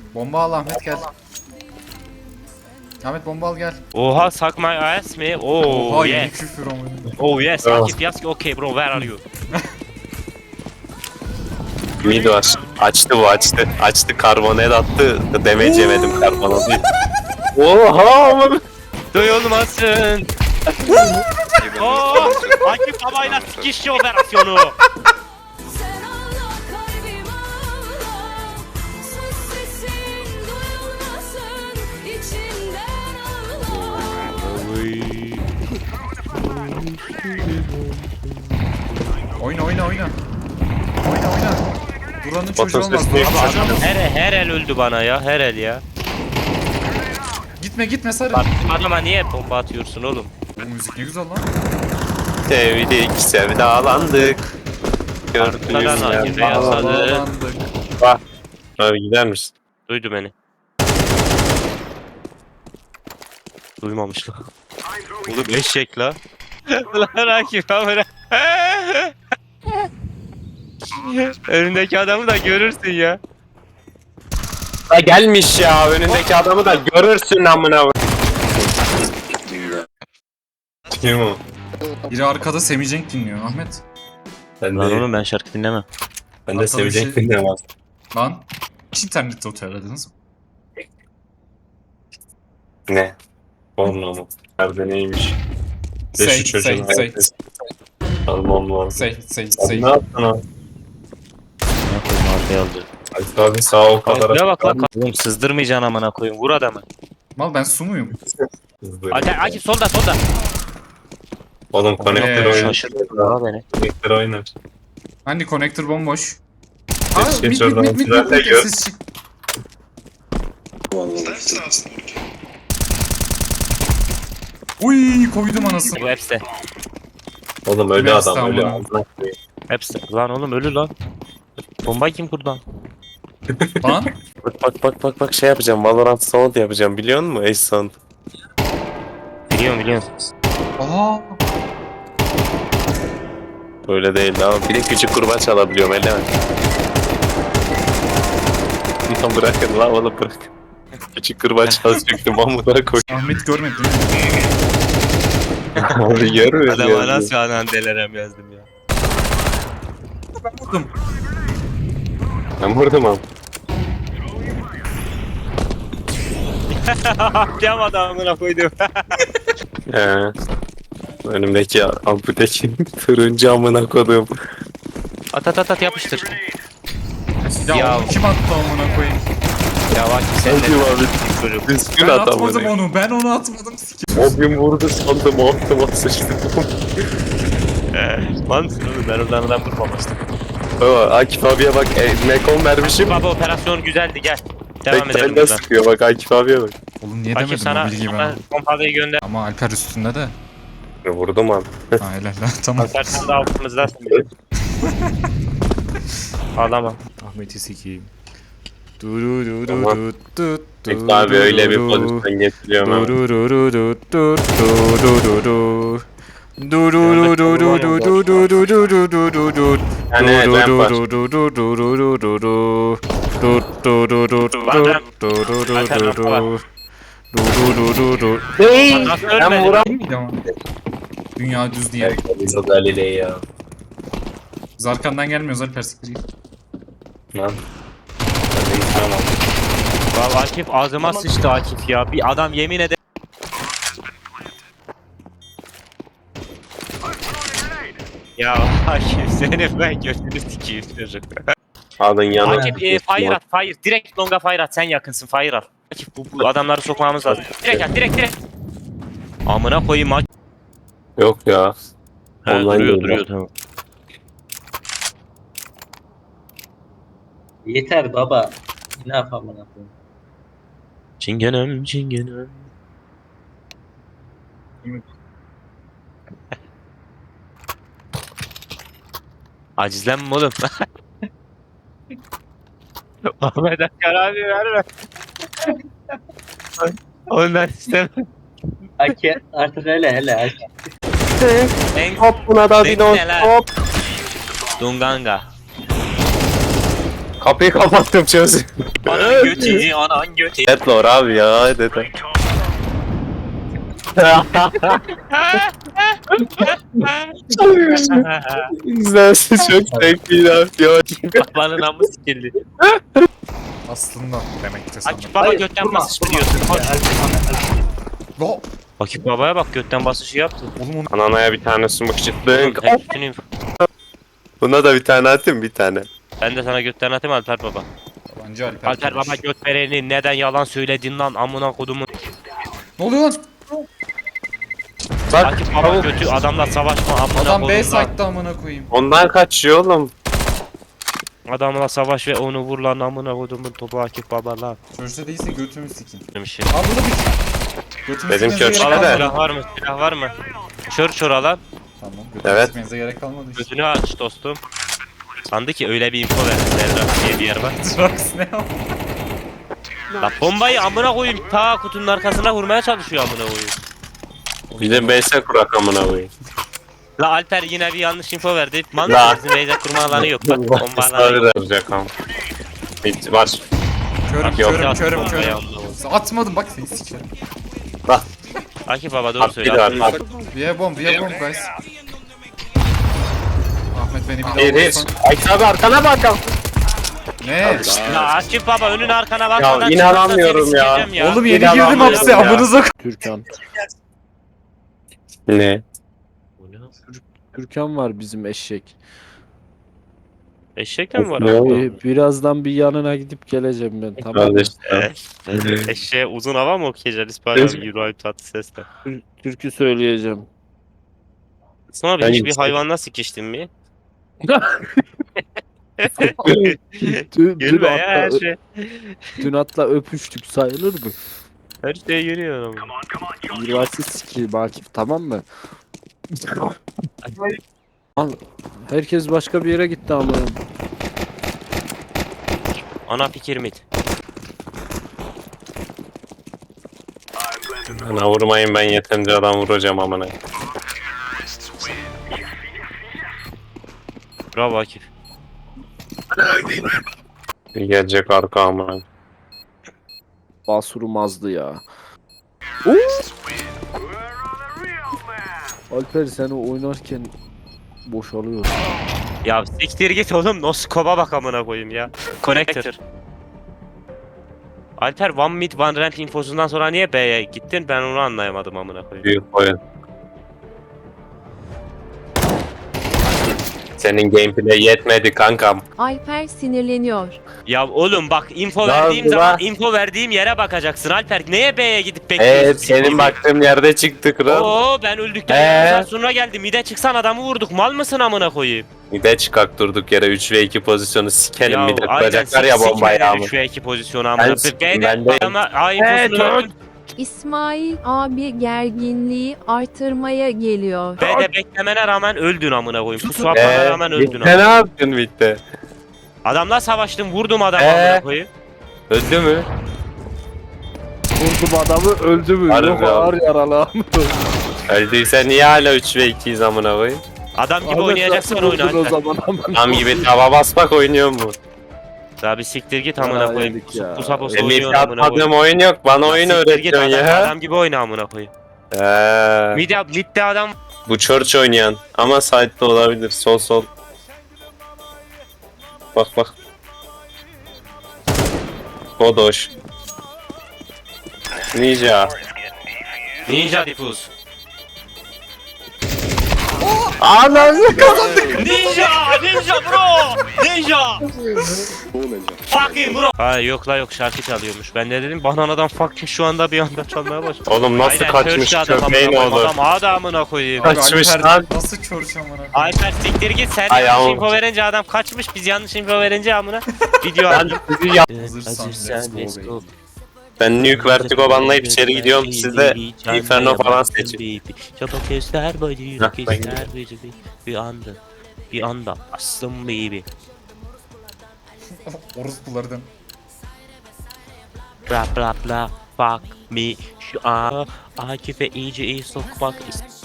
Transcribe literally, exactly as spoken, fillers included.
Bomba al Ahmet gel. Ahmet bomba al gel. Oha, suck my ass mi? Oh Oha yeni yes. küfür ama. Oh yes. Akif yaz ki okay bro, where are you? Mid var. Açtı bu açtı. Açtı karbonat attı. Damage yemedim karbonatı. Oha aman. Duyulmasın. Oh, Akif babayla sikiş operasyonu. Sen ağla kalbim ağla, sus sesin duyulmasın, içinden ağla. Oyna oyna oyna. Oyna oyna. Duran'ın çocuğu olmaz. Otostop Duran'ın değil. çocuğu olmaz. Her, her el öldü bana ya, her el ya. Gitme gitme sarı. Bak adama niye bomba atıyorsun oğlum? Bu müzik ne güzel lan. Sevdik, sevdalandık. Arkadan Gördüğüm Akif'e yer yasadı. Bağlandık. bak. Abi gider misin? Duydu beni. Duymamış lan. Oğlum eşek la. Lan Akif amına. Önündeki adamı da görürsün ya. Ha gelmiş ya önündeki adamı da görürsün amına. Kim o? Biri arkada Semih Cenk dinliyor Ahmet. Ben Lan oğlum ben şarkı dinlemem. ben Arkada bir sevecek şey- dinlemem. Lan. Hiç internette oteladınız mı? Ne? Porno mu? Nerede neymiş? Say, Beşi çocuğun say, say. hayatı. Almam lazım. Say say Sen say. ne yaptın o? Ne koyayım arkaya aldı. Alp abi sağ ol kadar. Ne bak lan. Oğlum sızdırmayacaksın amına koyayım. Vur adamı. Mal ben su muyum? Akif, Akif solda solda. Oğlum konektör Ee, oynar. Şaşırdı ya beni. Konektör oynar. Hani connector bomboş. Geç, Aa geç mit mit oradan, mit mit tünelde mit gör. ses çık. Uy koydum anasını. Bu hepsi. Oğlum ölü Biraz adam ölü. tamam. Amına koyayım. Hepsi. Lan oğlum ölü lan. Bombayı kim kurdu lan? Lan. Bak bak bak bak bak şey yapacağım. Valorant sound yapacağım biliyor musun? Ace sound. Biliyorum biliyorum. Aa. Öyle değil ama bir de küçük kurbağa çalabiliyorum öyle mi? Lan bırakın lan oğlum bırak. Küçük kurbağa çalacaktım amına koy. Ahmet görmedi değil mi? Abi görmüyor Adama ya. nasıl anan delerem yazdım ya. Ben vurdum. Ben vurdum abi. Cam adamına koydum. He. Önümdeki amputeki turuncu amına koydum. At at at at yapıştır. Ya, Ya. onu kim attı amına koyayım? Ya bak sen Hadi de abi. çocuk. Düzgün Ben at atmadım amına. onu. Ben onu atmadım. Sikim. O gün vurdu sandım altıma sıçtım. Lan oğlum ben oradan adam vurmamıştım. Baba Akif abiye bak e, Mekon vermişim. Baba operasyon güzeldi gel. Devam Tek edelim tane buradan. sıkıyor bak Akif abiye bak. Oğlum niye Akif demedim sana, o bilgiyi sana bana? pompalıyı gönder. Ama Alper üstünde de. Vurdum abi. Ha helal lan tamam. Alper sen de altımızdasın. Ağlama. Ahmet'i sikeyim. Du du du du Tamam. du du du Akif abi du öyle bir du pozisyon getiriyorum du abi. du du du du du du du du. Du du du du du du du du du du du du du du. Yani evet, Du ben du baş- du du du du du du du du. Du du du du du Var du lan. du du du Alper du rampa du. var. Du du du du du. Nasıl Ben ölmedin? vuram. Değil miydi ama? Dünya düz diye. Galizo Galilei ya. Biz arkandan gelmiyoruz Alper siktir git. Lan. Ben de gitmem abi. Vallahi Akif ağzıma sıçtı Akif ya. Bir adam yemin eder. Ya Akif seni ben götünü sikeyim çocuk. Adın yanı. Akif e, fire at fire. Direkt longa fire at. Sen yakınsın fire at. Akif bu, bu adamları sokmamız lazım. Direkt at direkt direkt. Amına koyayım Akif. Yok ya. He, Online duruyor değil duruyor ya. tamam. Yeter baba. Ne yapalım ne yapalım. Çingenem çingenem. Acizlenme oğlum. Ahmet Akar abi verme. Ondan istemem. Ake artık hele hele Ake. En Hop buna da bir Bekle lan. hop. Dunganga. Kapıyı kapattım çöz. Anan götü, anan götü. Deadlord abi ya dedi. İzlensin çok zevkliydi abi ya. Babanın amı sikildi. Aslında demekti sanırım. Akif baba götten basış biliyorsun. Koş. Lo. Akif babaya bak götten basışı yaptı. Oğlum onu Ananaya bir tane smoke çıktı. Hep bütün info. Buna da bir tane atayım bir tane. Ben de sana götten atayım Alper baba. yabancı Alper. Alper baba göt vereni neden yalan söyledin lan amına kodumun. Ne oluyor lan? Bak Akif baba götü adamla savaşma amına Adam B kodum lan. site'da amına koyayım. ondan kaçıyor oğlum. Adamla savaş ve onu vur lan amına kodumun topu Akif baba lan. Çörse değilse götümü sikeyim. Demiş ya. Abi burada bir. Götümü Dedim sikmenize ki gerek ölçüde de. kalmadı. Silah var mı? Silah var mı? Çör çör alan. Tamam götümü Evet. sikmenize gerek kalmadı işte. Gözünü aç dostum. Sandı ki öyle bir info verdi Serra diye bir yer var. Drax ne yaptı? La bombayı amına koyayım ta kutunun arkasına vurmaya çalışıyor amına koyayım. Bir de B S kurak amına koyayım. La Alper yine bir yanlış info verdi. Man La. bizim Beyza kurma alanı yok bak bomba alanı Sabır yok. olacak ama. Hiç var. Körüm Yok, körüm yok, körüm bombayı körüm. aldı Atmadım bak seni sikerim. Bak. Akif baba doğru Bak bir söyle. daha Akif. bak. Via bomb via bomb guys. Ahmet beni bir daha Bir hiç. vurursan. Ayşe abi arkana bak. Ne? La Akif baba önün arkana bakmadan Ya, çıkarsa inanamıyorum seni ya. sikeceğim ya. Oğlum Bir yeni daha girdim ben hapse ya. amınıza k- Türkan. Ne? Türkan var bizim eşek. Eşekten mi var Ne abi? oldu? Ee, birazdan bir yanına gidip geleceğim ben, tamam mı? Kardeş. Eşeğe uzun hava mı okuyacağız İspanya bir Euro tatlı sesle. Tür- Türkü söyleyeceğim. Sonra Ben bir hiçbir yüksek. hayvanla sikiştin mi? Dün, dün, Gülme ya her atla, şey. dün atla öpüştük, sayılır mı? Her şey yürüyor ama. Üniversite sikiyim Akif, tamam mı? Al, herkes başka bir yere gitti ama. Ana fikir mit. Bana vurmayın ben yeterince adam vuracağım amına. Bravo Akif. Gelecek arka amına. Basurum azdı ya. Oo! Alper seni oynarken boşalıyor. Ya siktir git oğlum noskoba bak amına koyayım ya. Connector. Alper one mid one ramp infosundan sonra niye B'ye gittin ben onu anlayamadım amına koyayım. Büyük oyun. Senin gameplay yetmedi kankam. Alper sinirleniyor. Ya oğlum bak info Ne verdiğim oldu zaman lan? info verdiğim yere bakacaksın Alper. Neye B'ye gidip bekliyorsun? Evet senin baktığın yerde çıktı kral. Oo ben öldükten Ee? yarım saat sonra geldim. Mide çıksan adamı vurduk. Mal mısın amına koyayım? Bir de çıkak durduk yere üç ve iki pozisyonu sikelim bir de aynen, kuracaklar sik- ya sik bombayı beni ama. Şu iki pozisyonu amına. Ben siktim, B'de ben de- adama A infosunu verdin. İsmail abi gerginliği artırmaya geliyor. B'de beklemene rağmen öldün amına koyayım. Pusu Eee atmana rağmen öldün bitti ne amına. yaptın bitti? Adamla savaştım vurdum adamı Ee? amına koyayım. Öldü mü? Vurdum adamı, öldü mü? Harbi Yok abi. ağır yaralı. Öldüyse niye hala üç ve ikiyiz amına koyayım? Adam gibi Ahmet oynayacaksan nasıl oyna vurdun o Alper. zaman aman. Tam gibi tava basmak oynuyor mu? Daha bir siktir git amına Ya, koyayım. yedik ya. Pusa pusa Senin oynuyor hiç amına koyayım. atmadığım oyun yok. Bana oyun Siktir git, öğretiyorsun adam, ya. adam gibi oyna amına koyayım. Eee. Midde, midde adam Bu church oynayan ama side'de olabilir. Sol sol. Bak bak. Godoş. Ninja. ninja difuz. Ananı Ninja! Ninja bro! Ninja! Fucking bro! Ha yok la yok şarkı çalıyormuş. Ben de dedim bananadan fucking şu anda bir anda çalmaya başladı. Oğlum nasıl Aynen, kaçmış Church'te adam köpeğin amına koyayım. oğlu. Adam adamına koyayım. Kaç- Kaçmış Alper lan. nasıl çorç amına koyayım? Alper siktir git sen Ay, yanlış yavrum. info verince adam kaçmış biz yanlış info verince amına video Ben aldım. sizi yap. Hazırsan let's go baby. Ben Nuke Vertigo banlayıp içeri gidiyorum. Siz de Inferno falan seçin. Çabuk göster boyu Heh, ben göster gidiyorum. boyu bir anda bir anda aslım baby. Orospulardan. Bla bla bla fuck me şu an Akif'e iyice iyi sokmak ist-